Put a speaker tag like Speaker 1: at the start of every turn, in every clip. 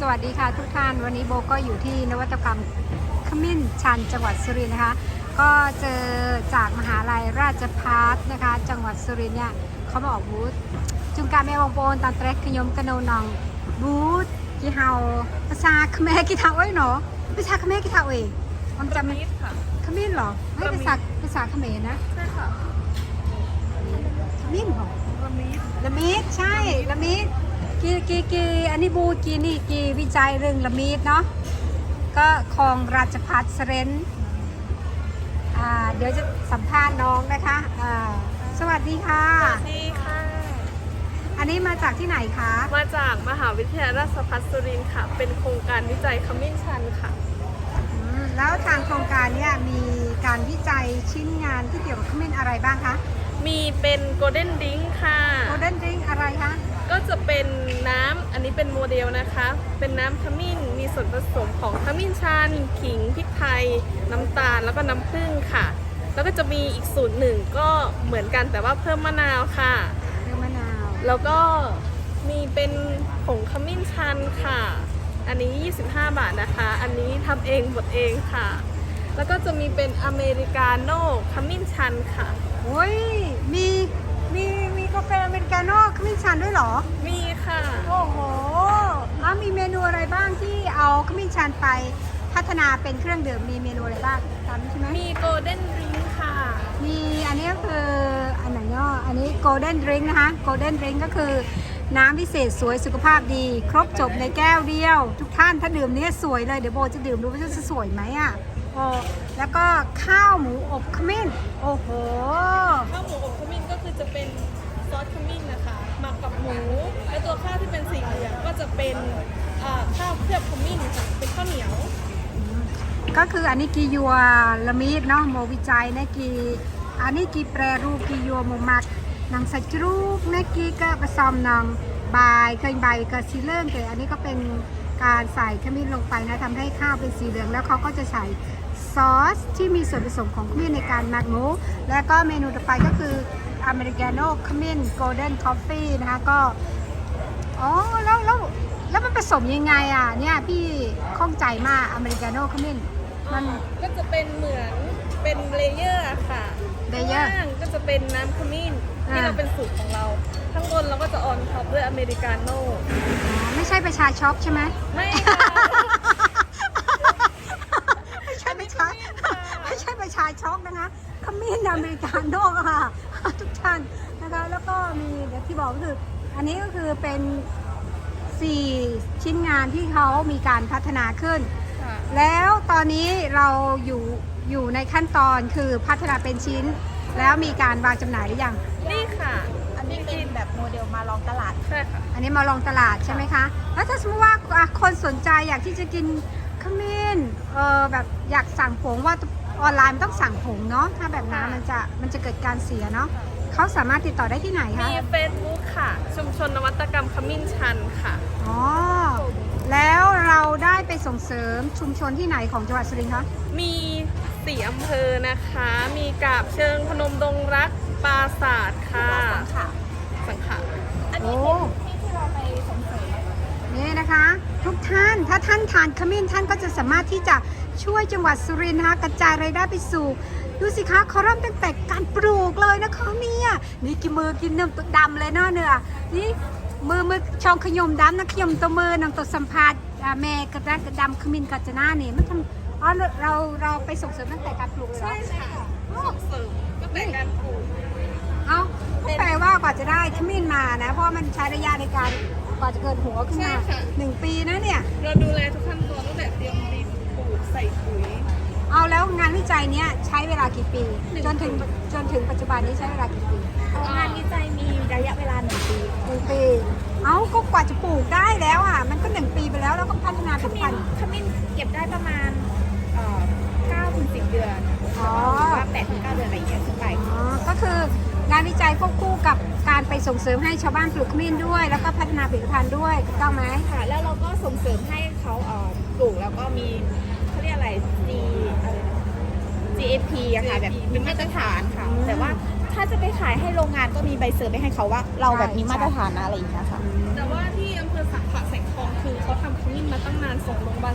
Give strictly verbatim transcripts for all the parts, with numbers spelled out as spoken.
Speaker 1: สวัสดีค่ะทุกท่านวันนี้โบก็อยู่ที่นวัตกรรมขมิ้นชันจังหวัดสุรินทร์นะคะก็เจอจากมหาลัยราชภัฏนะคะจังหวัดสุรินทร์เนี่ยเขามาออกบูธจุงการแม่วงโปนตอนเตรกขยมกระโนนองบูธกี่เฮาภาษาเขมรกี่เท่าเอ้ยเนาะภาษาเขมรกี่เท่าเอ้ยมันจำไม่ขมิ้นเหรอไม่ภาษาภาษาเขมรนะ
Speaker 2: ใช่ค่ะ
Speaker 1: ขมิ้นเหรอ
Speaker 2: ละมิด
Speaker 1: ละมิดใช่ละมิดกีกีกีอันนี้บูกีนี่กีวิจัยเรื่องละมีดเนาะก็คลองราชภัฏเสรนอ่าเดี๋ยวจะสัมภาษณ์น้องนะคะอ่าสวัสดีค่ะ
Speaker 2: สวัสดีค่ะ
Speaker 1: อันนี้มาจากที่ไหนคะ
Speaker 2: มาจากมหาวิทยาลัยราชภัฏสุรินทร์ค่ะเป็นโครงการวิจัยขมิ้นชันค่ะ
Speaker 1: แล้วทางโครงการเนี่ยมีการวิจัยชิ้นงานที่เกี่ยวกับขมิ้นอะไรบ้างคะ
Speaker 2: มีเป็นโกลเด้นดิ้งค่ะ
Speaker 1: โกลเด้นดิ้งอะไรคะ
Speaker 2: ก็จะเป็นน้ำอันนี้เป็นโมเดลนะคะเป็นน้ำขมิ้นมีส่วนผสมของขมิ้นชันขิงพริกไทยน้ำตาลแล้วก็น้ำผึ้งค่ะแล้วก็จะมีอีกสูตรหนึ่งก็เหมือนกันแต่ว่าเพิ่มมะนาวค่ะ
Speaker 1: เพิ่มมะนาว
Speaker 2: แล้วก็มีเป็นผงขมิ้นชันค่ะอันนี้ยี่สิบห้าบาทนะคะอันนี้ทำเองบดเองค่ะแล้วก็จะมีเป็นอเมริกาโน่ขมิ้นชันค่ะ
Speaker 1: โอ้ยมีมีมีกาแฟอเมริกาโน่ขมิ้นชันด้วยเหรอ
Speaker 2: มีค่ะ
Speaker 1: โอ้โหแล้วมีเมนูอะไรบ้างที่เอาขมิ้นชันไปพัฒนาเป็นเครื่องดื่มมีเมนูอะไรบ้างจำใช่ไหม
Speaker 2: มีโกลเด้นดริงค์ค่ะ
Speaker 1: มีอันนี้ก็คืออันไหนเนาะอันนี้โกลเด้นดริงค์นะคะโกลเด้นดริงค์ก็คือน้ำพิเศษสวยสุขภาพดีครบจบในแก้วเดียวทุกท่านถ้าดื่มนี้สวยเลยเดี๋ยวโบจะดื่มดูว่าจะสวยไหมอ่ะโอ้แล้วก็ข้าวหมูอบขมิ้นโอ้โห
Speaker 2: ข้าวหมูอบขมิ้นก็คือจะเป็นซอสขมิ้นนะคะหมักกับหมูและตัวข้าวที่เป็นสีเหลืองก็จะเป็นข้าวเคลือบขมิ้นค่ะเป็นข้าวเหนียว
Speaker 1: ก็คืออันนี้กียัวละมีดเนาะโมวิจัยนะกีอันนี้กีแปรรูปกียัวโมมักนางสัจรูปนะกีก็ผสมนางใบเคยใบกับสีเหลืองแต่อันนี้ก็เป็นการใส่ขมิ้นลงไปนะทำให้ข้าวเป็นสีเหลืองแล้วเขาก็จะใส่ซอสที่มีส่วนผสมของขมิ้นในการหมักหมูแล้วก็เมนูต่อไปก็คืออเมริกาโน่ขมิ้นโกลเด้นคอฟฟี่นะคะก็อ๋อแล้วแล้วแล้วมันผสมยังไงอ่ะเนี่ยพี่ข้องใจมากอเมริกาโน่ขมิ้นมัน
Speaker 2: ก็จะเป็นเหมือนเป็นเลเยอร์ค่ะ
Speaker 1: เลเยอร์
Speaker 2: ก็จะเป็นน้ำขมิ้นที่เราเป็นสูตรของเราข้างบนเราก็จะออนท็อปด้วยอเมริกาโน่
Speaker 1: ไม่ใช่ประชาช็อปใช่ไหม
Speaker 2: ไม่ค่ะ
Speaker 1: ไม่ใช่ประชาไม่ใช่ประชาช็อปนะคะขมิ้นอเมริกาโน่ค่ะทุกท่านนะคะแล้วก็มีเดี๋ยวที่บอกก็คืออันนี้ก็คือเป็นสี่ชิ้นงานที่เขามีการพัฒนาขึ้นแล้วตอนนี้เราอยู่อยู่ในขั้นตอนคือพัฒนาเป็นชิ้นแล้วมีการวางจำหน่ายหรือยัง
Speaker 2: นี่ค่ะ
Speaker 3: อันนี้เป็นแบบโมเดลมาลองตลาด
Speaker 2: ใช่ค่ะ
Speaker 1: อันนี้มาลองตลาดใช่ไหมคะแล้วถ้าสมมติว่าคนสนใจอยากที่จะกินขมิ้นเออแบบอยากสั่งผงว่าออนไลน์มันต้องสั่งผงเนาะถ้าแบบนั้นมันจะมันจะเกิดการเสียเนาะเขาสามารถติดต่อได้ที่ไหนคะ
Speaker 2: มีเฟซบุ๊กค่ะชุมชนนวัตกรรมขมิ้นชันค่ะ
Speaker 1: อ๋อแล้วเราได้ไปส่งเสริมชุมชนที่ไหนของจังหวัดสุรินทร์คะ
Speaker 2: มีสี่อำเภอนะคะมีกาบเชิงพนมดงรักปราสาทค่ะ
Speaker 3: สังขะ
Speaker 2: สังขะ
Speaker 3: อันนี้เป็นที่ที่เราไปส่งเสริม
Speaker 1: นี่นะคะทุกท่านถ้าท่านทานขมิ้นท่านก็จะสามารถที่จะช่วยจังหวัดสุรินทร์นะคะกระจายรายได้ไปสู่ดูสิคะเขาเริ่มตั้งแต่การปลูกเลยนะคะเนี่ยนี่กินมือกินเนื้อตัวดำเลยเนาะเนื้อนี่มือมือช่องขยมดำนะขยมตัวมือนางตัวสัมผัสแม่กระด้างกระดำขมิ้นกัจจนาเนี่ยมันทำอ๋อเราเราไปส่งเสริมตั้งแต่การปลูกเลย
Speaker 2: ใช่ค่ะส่งเสริมตั้งแต่การปลูก
Speaker 1: เอาแปลว่ากว่าจะได้ขมิ้นมานะเพราะมันใช้ระยะในการกว่าจะเกิดหัวขึ้นมาหนึ่งปีนะเนี่ย
Speaker 2: เราดูแลทุกขั้นตอนตั้งแต่เตรียมดินปลูกใส่ปุ๋ย
Speaker 1: เอาแล้วงานวิจัยเนี้ยใช้เวลากี่ปีจนถึงจนถึงปัจจุบันนี้ใช้เวลากี่ปี
Speaker 3: งานวิจัยมีระยะเวลาหนึ่งปี
Speaker 1: หนึ่งปีเอาก็กว่าจะปลูกได้แล้วอ่ะมันก็หนึ่งปีไปแล้วแล้วก็พัฒนาเป็นพันธุ์
Speaker 3: ขมิ้นเก็บได้ประมาณเก้าถึงสิบเดือนอ๋อว่าแปดถึงเก้าเดือนอะไรอย่างเงี้ยขึ้นไป
Speaker 1: อ๋อก็คืองานวิจัยควบคู่กับการไปส่งเสริมให้ชาวบ้านปลูกขมิ้นด้วยแล้วก็พัฒนาผลิตภัณฑ์ด้วยถูกต้องไหม
Speaker 3: ค่ะแล้วเราก็ส่งเสริมให้เขาปลูกแล้วก็มีเขาเรียกอะไร G อะไร จี เอ พี อะค่ะแบบมีมาตรฐานค่ะแต่ว่าถ้าจะไปขายให้โรงงานก็มีใบเซอร์ไปให้เขาว่าเราแบบมีมาตรฐานนะอะไรอย่างเงี้ยค่ะ
Speaker 2: แต่ว่าที่อำเภอสังขะแสงทองคือเขาทำขมิ้นมา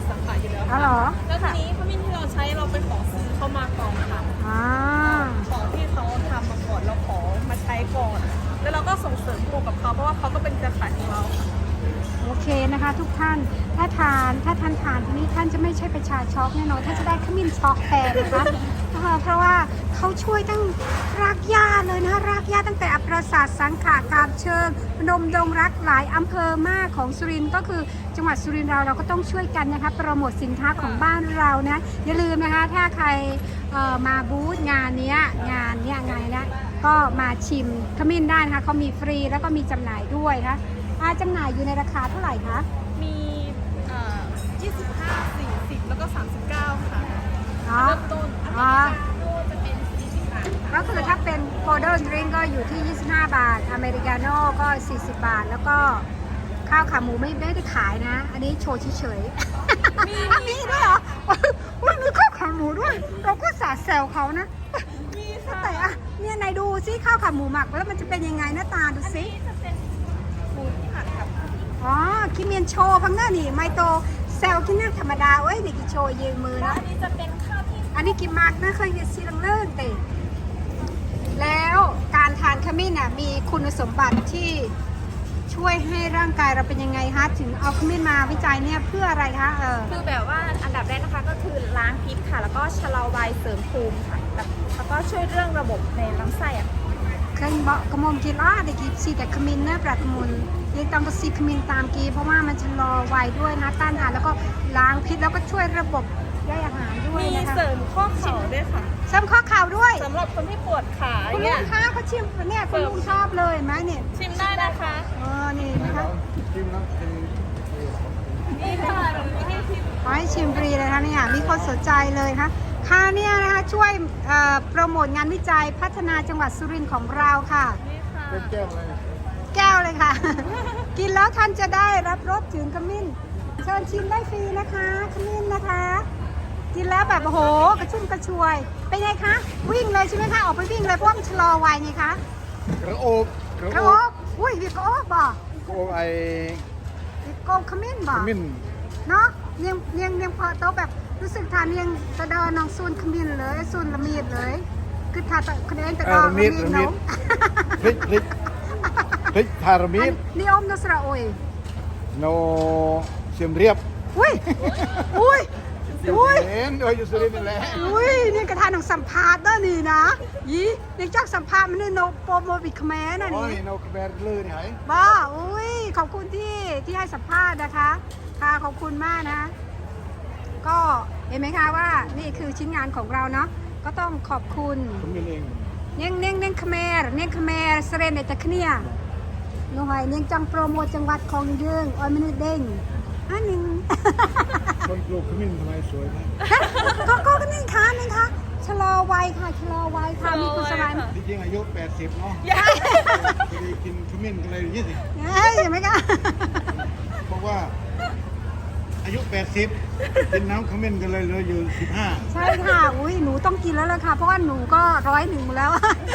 Speaker 2: สาขาอยู่แล้ว
Speaker 1: อ๋อเหรอ
Speaker 2: แล้วทีนี้ขมิ้นที่เราใช้เราไปขอซื้อเขามาก่อนค่ะ
Speaker 1: อ่า
Speaker 2: ของที่เขาทำมาก่อนเราขอมาใช้ก่อน แล้วเราก็ส่งเสริมคู่กับเขาเพราะว่าเขาก็เป็นเครือข่ายของเราค่ะ
Speaker 1: โอเคนะคะทุกท่านถ้าทานถ้าท่านทานที่นี่ท่านจะไม่ใช่ประชาช็อกแน่นอนท่านจะได้ขมิ้นช็อกแทนนะคะ เออเพราะว่าเขาช่วยตั้งรากหญ้าเลยนะรากหญ้าตั้งแต่อปราสาทสังขากาบเชิงพนมดงรักหลายอำเภอมากของสุรินทร์ก็คือจังหวัดสุรินทร์เราเราก็ต้องช่วยกันนะคะโปรโมทสินค้าของบ้านเรานะอย่าลืมนะคะถ้าใครเอ่อมาบูธงานเนี้ยงานเนี้ยไงนะก็มาชิมขมิ้นได้นะคะเขามีฟรีแล้วก็มีจำหน่ายด้วยนะคะอ่าจำหน่ายอยู่ในราคาเท่าไหร่คะ
Speaker 2: มีเอ่อยี่สิบห้า สี่สิบ แล้วก็ สามสิบเก้า ค่ะ
Speaker 1: อ๋อ
Speaker 2: เริ่มต้น
Speaker 1: อ๋อ
Speaker 3: โน่จะเป็นสี่สิบบาทค่ะ
Speaker 1: ก็คือถ้าเป็นโ o ลเดอร์ดริงก็อยู่ที่ ยี่สิบห้า บาท อเมริกาโน่ก็ สี่สิบ บาท แล้วก็ข้าวขาหมูไม่ไม่ได้ขายนะ อันนี้โชว์เฉยๆ
Speaker 2: มี
Speaker 1: อ่ะมีด้วยเหรออุ้ยมีข้าวขาหมูด้วย เราก็สาดแซวเขานะ
Speaker 2: มีค่ะ
Speaker 1: แต่อะเนี่ยไหนดูซิข้าวขาหมูหมักแล้วมันจะเป็นยังไงหน้าตาดูซิ
Speaker 3: นี่จะเป็นหมูที่ผัดกับ
Speaker 1: อ๋อคิเมียนโชว์พังหน้านี่ไมโตแซวกินนั่งธรรมดาเอ้ยนี่กิโชว์ยืมมือ
Speaker 3: แล้ว
Speaker 1: นะ
Speaker 3: อันนี้จะเป็นข้าวที่
Speaker 1: อันนี้กินมากนะเคยเห็นซีลังเลิศเตะแล้วการทานขมิ้นน่ะมีคุณสมบัติที่ช่วยให้ร่างกายเราเป็นยังไงคะถึงเอาขมิ้นมาวิจัยเนี่ยเพื่ออะไรคะเออ
Speaker 3: คือแบบว่าอันดับแรกนะคะก็คือล้างพิษค่ะ แล้วก็ชะลอวัยเสริมภูมิค่ะแล้วแล้วก็ช่วยเรื่องระบบในลำไส้อะ
Speaker 1: เคยบอกกระมมกีล่าเด็กกีซีแต่ขมิ้นเนื้อปลากระมุนยังต้องกระซีขมิ้นตามกีเพราะว่ามันชะลอวัยด้วยนะต้านทานแล้วก็ล้างพิษแล้วก็ช่วยระบบย่อยอาหารด้วย
Speaker 2: มี
Speaker 1: นะคะ
Speaker 2: เสริมข้อเข่าด้วยค่ะ
Speaker 1: เสริมข้อเข่าด้วย
Speaker 2: สำหรับคนที่ปวดขา
Speaker 1: คุณลุ
Speaker 2: เนี่ย
Speaker 1: งคะเขาชิมเนี่ยคุณลุงชอบเลยเห็นไหมเนี่ย
Speaker 2: ชิมได้นะคะ
Speaker 1: เออนี่นะคะ
Speaker 4: จิ้มแล้วเป็น
Speaker 2: นี่ค่ะหนูให้ชิม
Speaker 1: ขอให้ชิมฟรีเลยค่ะเนี่ยมีคนสนใจเลยค่ะค่ะเนี่ยนะคะช่วยเอ่อโปรโมทงานวิจัยพัฒนาจังหวัดสุรินทร์ของเราค่ะ
Speaker 2: นี่ค่ะ
Speaker 4: เป็นแก้วเลย
Speaker 1: แก้วเลยค่ะ กินแล้วท่านจะได้รับรสถึงขมิ้นเชิญชิมได้ฟรีนะคะขมิ้นนะคะ กินแล้วแบบโอ้โหกระชุ่มกระชวยเป็นไงคะวิ่งเลยใช่ไหมคะออกไปวิ่งเลยเพราะว่ามันชะลอวัยไงคะ
Speaker 4: กระโอบกระ
Speaker 1: กระ
Speaker 4: โอ
Speaker 1: โอบ กอุ้ยวิกระโอบบ่
Speaker 4: กระโอบไอ้
Speaker 1: วิกโกขมิ้นบ่
Speaker 4: ขมิ้น
Speaker 1: เนาะเนียงเนียงเนียงพอโตะแบบรู้สึกทานเนียงตะดอน้องซูนขมิ้นเลยซูนละเมียดเลยคือทานตะคะแนนตะดอละเมียดเนาะ
Speaker 4: พริกพริกพริกพารามิด
Speaker 1: นี่อมนสระโอย
Speaker 4: โนเสียมเรียบ
Speaker 1: อุ้ยอุ้ย
Speaker 4: อยู่
Speaker 1: อุ้ย
Speaker 4: เห็นเอออยู่สุรินทร์นั่นแหละ
Speaker 1: อุ้ยนี่กระทานของสัมภาษณ์เด้อนี่นะยี่นี่จักสัมภาษณ์มันนี่โนโปรโมบิคแมนนะ
Speaker 4: โอ้ย
Speaker 1: นี่
Speaker 4: โนกระแบรลือนี่ไง
Speaker 1: บ้าอุ้ยขอบคุณที่ที่ให้สัมภาษณ์นะคะค่ะขอบคุณมากนะ ก็เห็นไหมคะว่านี่คือชิ้นงานของเราเนาะก็ต้องขอบคุณ
Speaker 4: ขมิ้นเอง
Speaker 1: เนียงเนียงเนียงเขมรเนียงเขมรเสเรนเนตะเนียหน่วยเนียงจังโปรโมทจังหวัดของเยืองออยมนุษย์เด้งอันหนึ่ง
Speaker 4: คนปลูกขมิ้นทำไมสวยนะ
Speaker 1: ก็ก็ก็นี่ค่ะนี่ค่ะชะลอวัยค่ะชะลอวัยค่ะมีคุณสมัย
Speaker 4: จริงๆอายุแปดสิบเนาะพอดีกินขมิ้นกันเลยยี่สิบ
Speaker 1: เฮ้ยเห็นไหมคะ
Speaker 4: บอกว่า อายุแปดสิบกินน้ำขมิ้นกันเลยเหลืออยู่สิบห้า
Speaker 1: ใช่ค่ะอุ้ยหนูต้องกินแล้วล่ะค่ะเพราะว่าหนูก็ร้อยหนึ่งแล้ว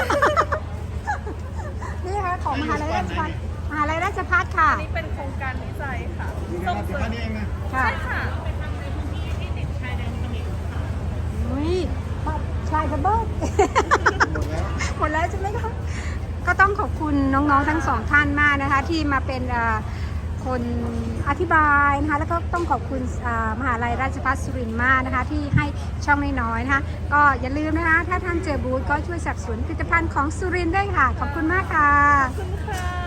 Speaker 1: นี่ค่ะของมหาลัยราชภัฏมหาลัยราชภัฏค่ะ
Speaker 2: อันนี้เป็นโครงการวิจัยค่ะ
Speaker 4: อยู่ใน
Speaker 2: ส่ง
Speaker 4: งานสิบ
Speaker 2: เสริ
Speaker 4: ห้าม นี่เองนะ
Speaker 1: ค่ะ
Speaker 2: ใช่ค่ะ
Speaker 1: อุ้ยชายกระเบิด
Speaker 4: หมดแล้ว
Speaker 1: หมดแล้วใช่ไหมคะก็ต้องขอบคุณน้องๆทั้งสองท่านมากนะคะ ที่มาเป็นเอ่อคนอธิบายนะคะแล้วก็ต้องขอบคุณอ่ามหาลัยราชภัฏสุรินทร์มากนะคะ ที่ให้ช่องน้อยๆนะคะ ก็อย่าลืมนะคะ ถ้าท่านเจอบูธก็ช่วยสนับสนุนผลิตภัณฑ์ของสุรินทร์ด้วยค่ะ ขอบคุณมากค่ะ
Speaker 2: ขอบคุณค่ะ